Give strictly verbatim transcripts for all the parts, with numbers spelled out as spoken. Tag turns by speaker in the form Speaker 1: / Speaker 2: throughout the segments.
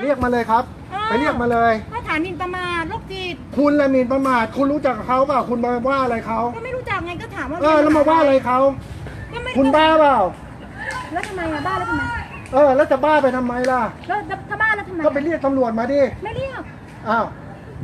Speaker 1: เรียกมาเลยครับไปเรียกมาเลย
Speaker 2: ก็ฐานหมิ่นประมาทโรคจิต
Speaker 1: คุณละหมิ่นประมาทคุณรู้จักเขาเปล่าคุณมาว่าอะไรเขา
Speaker 2: ก็ไม่รู้จักไงก็ถามว่า
Speaker 1: เออแล้วมาว่าอะไรเขาคุณบ้าเปล่า
Speaker 2: แล้วทำไมอะบ้าแล้วทำไม
Speaker 1: เออแล้วจะบ้าไปทำไมล่ะ
Speaker 2: แล้วถ้าบ้าแล้วทำไม
Speaker 1: ก็ไปเรียกตำรวจมาดิ
Speaker 2: ไม่เรียก
Speaker 1: อ้าว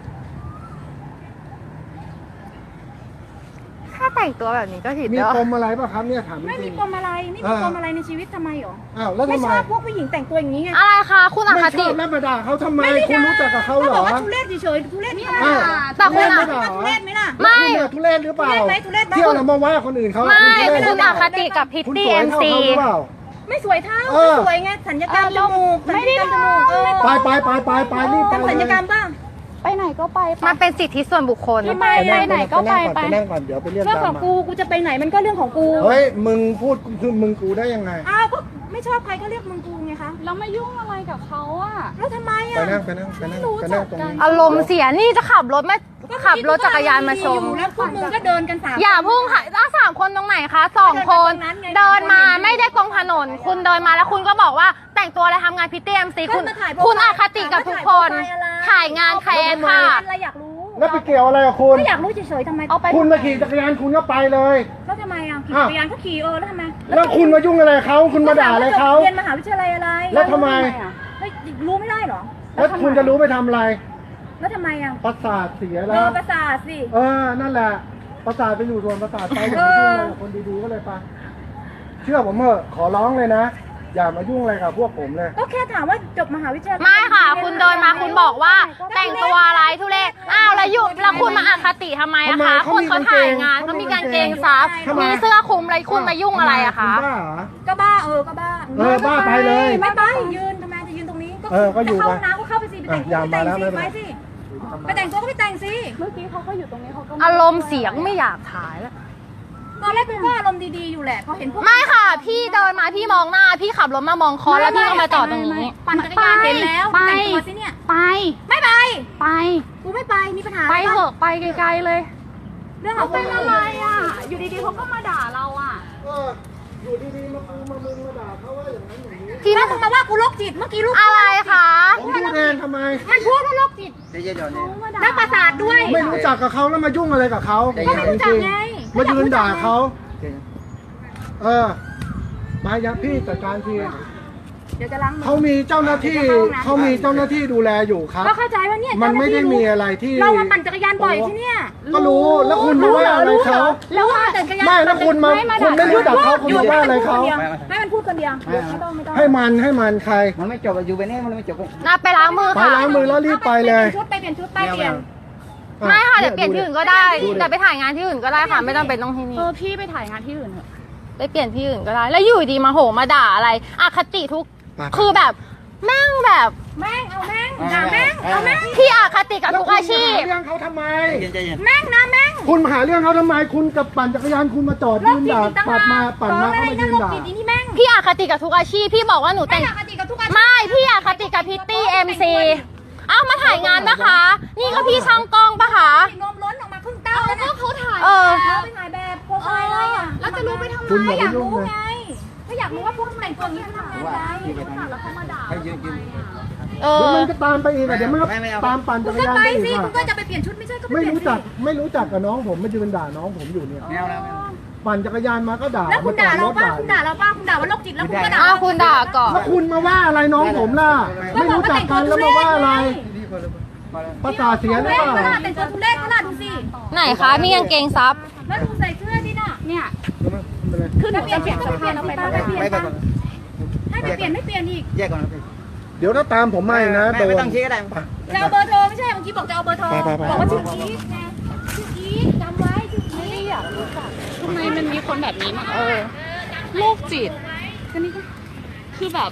Speaker 3: ถ้าแต่งตัวแบบนี้ก็ผิด
Speaker 1: มีปมอะไรป่ะครับเนี่ยถามจริง
Speaker 2: ไม่มีปมอะไรไม่มีปมอะไรในชีวิตทำไมหรอ
Speaker 1: อ้าวแล้วทำไม
Speaker 2: ไม่ชอบพวกผู้หญิงแต่งตัวอย่างนี้ไง
Speaker 3: อะไรคะคุณอคติ
Speaker 1: ไม่ชอบแล้วมาด่าเขาทำไมคุณรู้จักกับเขาเหรอ
Speaker 2: ทุเรศเฉยๆทุเรศนี่
Speaker 3: ค่ะแต่คุณอะ
Speaker 2: ทุเรศไหมล่ะ
Speaker 3: ไม่
Speaker 1: ทุเรศหรือเปล่าเที่ยวแล้วมาว่าคนอื่นเขา
Speaker 3: ไม่คุณอคติกับพิตตี้เอ็มซี
Speaker 2: ไม่สวยเท่าไม่สวยไงสัญญกรรมจมูกไม่ได้จมูก
Speaker 1: ไปไปไปไปไปรีบไป
Speaker 2: สัญญกรรมบ้าง
Speaker 3: ไปไหนก็ไปมันเป็นสิทธิส่วนบุคคล
Speaker 2: ไปไหนก็ไปไป
Speaker 1: นั่งก่อนเดี๋ยวไปเรียก
Speaker 2: เรื่องของกูกูจะไปไหนมันก็เรื่องของกู
Speaker 1: เฮ้ยมึงพูดคือมึงกูได้ยังไง
Speaker 2: อ้าวก็ไม่ชอบใครก็เรียกมึงกูไงคะ
Speaker 3: แล้วไม่ยุ่งอะไรกับเขาอะ
Speaker 2: แล้วทำไมอะ
Speaker 1: ไปนั่งไปนั่งไปนั่งไปนั่งตรงนี้
Speaker 3: อารมณ์เสียนี่จะขับรถมาขับรถจักรยานมาชม
Speaker 2: แล้วพวกมึงก็เดินกันสาม
Speaker 3: อย่าพุ่งค่ะสามคนตรงไหนคะสองคนเดินมาไม่ได้ตรงถนนคุณเดินมาแล้วคุณก็บอกว่าแต่งตัวอะไรทำงานพิตตี้เอ็มซีคุณคุณอคติกับทุกคนถ่ายงานแคร์ค่ะ
Speaker 2: อะไรอยากรู้
Speaker 1: แล้วไปเกี่ยวอะไรกับคุณ
Speaker 2: ไม่อยากรู้เฉยๆทำไม
Speaker 1: คุณมาขี่จักรยานคุณก็ไปเลย
Speaker 2: แล้วทำไมอ่ะขี่จักรยานก็ขี่เออแล้วทำไม
Speaker 1: แล้วคุณมายุ่งอะไรเขาคุณมาด่าอะไรเขา
Speaker 2: เรียนมหาวิทยาลัยอะไร
Speaker 1: แล้วทำไม
Speaker 2: รู้ไม่ได้หรอ
Speaker 1: แล้วคุณจะรู้ไปทำอะไร
Speaker 2: แล้วทำไมอ่ะ
Speaker 1: ประสาทเสียแล้ว
Speaker 2: เออประสาทสิ
Speaker 1: เออนั่นแหละประสาทไปอยู่ส่วนประสาทไปอย่ามายุ่งอะไรกับคนดีๆก็เลยไปเชื่อผมเถอะขอร้องเลยนะอย่ามายุ่งอะไรกับพวกผมเลย
Speaker 2: ก็แค่ถามว่าจบมหาวิทยาลัย
Speaker 3: ไม่ค่ะคุณเดินมาคุณบอกว่าแต่งตัวอะไรทุเรศอ้าวแล้วยุแล้วคุณมาอคติทำไมอะคะคนเขาถ่ายงานเขามีกางเกงซับมีเสื้อคลุมอะไรคุณมายุ่งอะไรอะคะ
Speaker 2: ก็บ้าเออก็บ้า
Speaker 1: เออบ้าไปเลย
Speaker 2: ไม่ไปยืนทำไมจะยืนตรงนี้
Speaker 1: เออก็อยู่
Speaker 2: เข้าน้ำก็เข้าไปสิไปแต่งตัวไปแต่งสิไปสิไปแต่งตัวก็ไปแต่งสิ
Speaker 3: เมื่อกี้เขาก็อยู่ตรงนี้เขาก็อารมณ์เสียงไม่อยากถ่ายแล้ว
Speaker 2: ตอนแรกกูก็อารมณ์ดีๆอยู่แหละพอเห็นพวก
Speaker 3: ไม่ค่ะพี่เดินมาพี่มองหน้าพี่ขับรถมามองคอแล้วพี่ก็มาจอดตรงนี้
Speaker 2: ปั่นจักรยานเห็นแล้วแต่งตัวสิเนี่ย
Speaker 3: ไป
Speaker 2: ไม่ไป
Speaker 3: ไป
Speaker 2: กูไม่ไปมีปัญหา
Speaker 3: ไปเถอะไปไกลๆเลย
Speaker 2: เรื่องของ
Speaker 3: เป็นอะไรอ่ะอยู่ดีๆเขาก็มาด่าเราอ่ะ
Speaker 1: อยู่ดีๆมากูมามึงมาด่าเขาว่าอย่างนั้นอย่างนี้
Speaker 2: ที่นั่นมึงมาว่ากูโรคจิตเมื่อกี้ลูก
Speaker 3: อะไรคะ
Speaker 1: ผมพูดเองทำไม
Speaker 2: มันพูดว่าโรคจิตนักประสาทด้วย
Speaker 1: ไม่รู้จักกับเขาแล้วมายุ่งอะไรกับเขา
Speaker 2: ก็ไม่รู้จักไง
Speaker 1: มายืนด่าเขาเออมาอย่างพี่จัดการที
Speaker 2: เดี๋ยวจะล้างมือ
Speaker 1: เขามีเจ้าหน้าที่เขามีเจ้าหน้าที่ดูแลอยู่ครับ
Speaker 2: ก็เข้าใจว่าเนี่ย
Speaker 1: มันไม่ได้มีอะไรที่
Speaker 2: เรามาปั่นจักรยานบ่อยที่เนี่ย
Speaker 1: ก็รู้แล้วคุณรู้ว่าอะไรเขา
Speaker 2: แล้วว่าจักรยาน
Speaker 1: ไม่แล้วคุณมาคุณไม่รู้จักเขาคุณว่าอะไรเขา
Speaker 2: ให้มันพูดคนเดียวไม่ต้องไม่ต้อง
Speaker 1: ให้มันให้มันใคร
Speaker 4: มันไม่จบอยู่ไปนี่มันไม่จบ
Speaker 3: ไปล้างมือ
Speaker 1: ค่ะไปล้างมือแล้วรีบไปเลย
Speaker 2: ชุดไปเปลี่ยนชุดไปเปลี่ยน
Speaker 3: ไม่ค่ะเดี๋ยวเปลี่ยนที่อื่นก็ได้แต่ไปถ่ายงานที่อื่นก็ได้ค่ะไม่ต้องเป็นต้องที่นี่
Speaker 2: เออพี่ไปถ่ายงานที่อื่นเถอะ
Speaker 3: ไปเปลี่ยนที่อื่นก็ได้แล้วอยู่ดีมาโหมาด่าอะไรอคติทุกคือแบบแม่งแบบ
Speaker 2: แม่งเอาแม่งด่าแม่งเอาแม่ง
Speaker 3: พี่อคติกับทุกอาชีพ
Speaker 1: เรื่องเขาทำไม
Speaker 2: แม่งนะแม่ง
Speaker 1: คุณหาเรื่องเขาทำไมคุณกับปั่นจักรยานคุณมาจอดยืนด่าปัดมาปั่นมาเขามายืนด่า
Speaker 3: พี่อคติกับทุกอาชีพพี่บอกว่าหนูแต่งไม่พี่อคติกับพิตตี้เอ็มซีอ้าวมาถ่ายงานปะคะนี่ก็พี่ช่างกล้องปะคะ
Speaker 2: นมล้นออกมาครึ่งเต้าแล้วก็เขาถ่าย
Speaker 3: เออ
Speaker 2: ไปถ่ายแบบโปรไฟล์อะไรอ่ะแล้วจะรู้ไปทำไมอยากรู้ไงก็อยากรู้ว่าพวกแต่งตัวนี้ทำงานอะไรแล้วเขามาด่าให้ยืนยืน
Speaker 1: เออมันก็ตามไปอีกอ่ะเดี๋ยวมันตามปั่นจักรยานไป
Speaker 2: อีกคุณก็จะไปเปลี่ยนชุดไม่ใช่ก็
Speaker 1: ไม่รู้จักไม่รู้จักกับน้องผมมายืนด่าน้องผมอยู่เนี่ยปั่นจักรยานมาก็ด่า
Speaker 2: แล้วคุณด่าเราป้าคุณด่าเราป้าคุณด่าว่าโรคจิตแล้วคุณก็ด่า
Speaker 3: คุณด่าก่อน
Speaker 1: แล้วคุณมาว่าอะไรน้องผมล่ะไม่รู้จักกันแล้วมาว่าอะไรประสาทเสียหรือเปล่า
Speaker 2: แต่งตัวทุเรศขนาดดูสิ
Speaker 3: ไหนคะมีกางเกงซับ
Speaker 2: แล้วดูใส่เสื้อดิน่ะเนี่ยคือเปลี่ยนเปลี่ยนเปลี่ยนเราไปเราไปเปลี่ยนให้ไปเปลี่ยนไม่เปลี่ยนอีก
Speaker 4: แยกก่อนนะ
Speaker 1: เดี๋ยวถ้าตามผมไม่นะโดน
Speaker 4: ไม่ต้องชี้ก็ได้
Speaker 2: จะเอาเบอร์โทรไม่ใช่เมื่อกี้บอกจะเอาเบอร์โทรบอกว่าชื่ออีทไงชื่ออีทจำไว้ชื่ออีทอยากรู้จัก
Speaker 3: ทำไมมันมีคนแบบนี้มาเออโรคจิตก็นี่ก็คือแบบ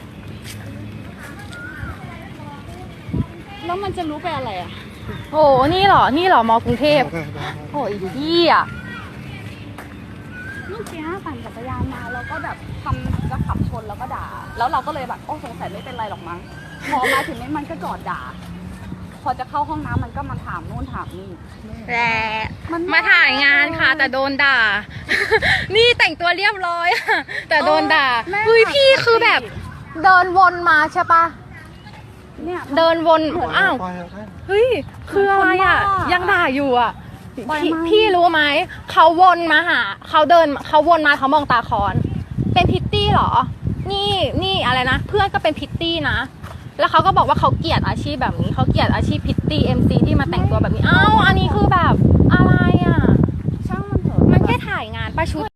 Speaker 3: แล้วมันจะรู้ไปอะไรอ่ะโอ้นี่เหรอนี่เหรอมอกรุงเทพโอ้ยพี่อ่ะ
Speaker 2: เมื่อกี้ปั่นจักรยานมาแล้วก็แบบทำจะขับชนแล้วก็ด่าแล้วเราก็เลยแบบโอ้สงสัยไม่เป็นไรหรอกมั้งพอมาถึงนี้มันก็จอดด่าพอจะเข้าห้องน้ำมันก็มาถามนู่นถามนี่
Speaker 3: แต่มาถ่ายงานค่ะแต่โดนด่านี่แต่งตัวเรียบร้อยแต่โดนด่าเฮ้ยพี่คือแบบเดินวนมาใช่ปะ
Speaker 2: เนี่ย
Speaker 3: เดินวนอ้าว
Speaker 1: ปล่อยเถอะ
Speaker 3: เฮ้ยคืออะไรอ่ะ
Speaker 2: คนบ้ายั
Speaker 3: ยังด่าอยู่อ่ะ
Speaker 2: ปล่อย
Speaker 3: พี่
Speaker 2: มัน
Speaker 3: พี่รู้ไหมเขาวนมาหาเขาเดินเขาวนมาเขามองตาคอนเป็นพิตตี้เหรอ นี่นี่อะไรนะเพื่อนก็เป็นพิตตี้นะแล้วเขาก็บอกว่าเขาเกลียดอาชีพแบบนี้เขาเกลียดอาชีพพิตตี้เอ็มซีที่มาแต่งตัวแบบนี้อ้าวอันนี้คือแบบอะไรอ่ะ
Speaker 2: ช่างมันเถอะ
Speaker 3: มันแค่ถ่ายงานป้าชุด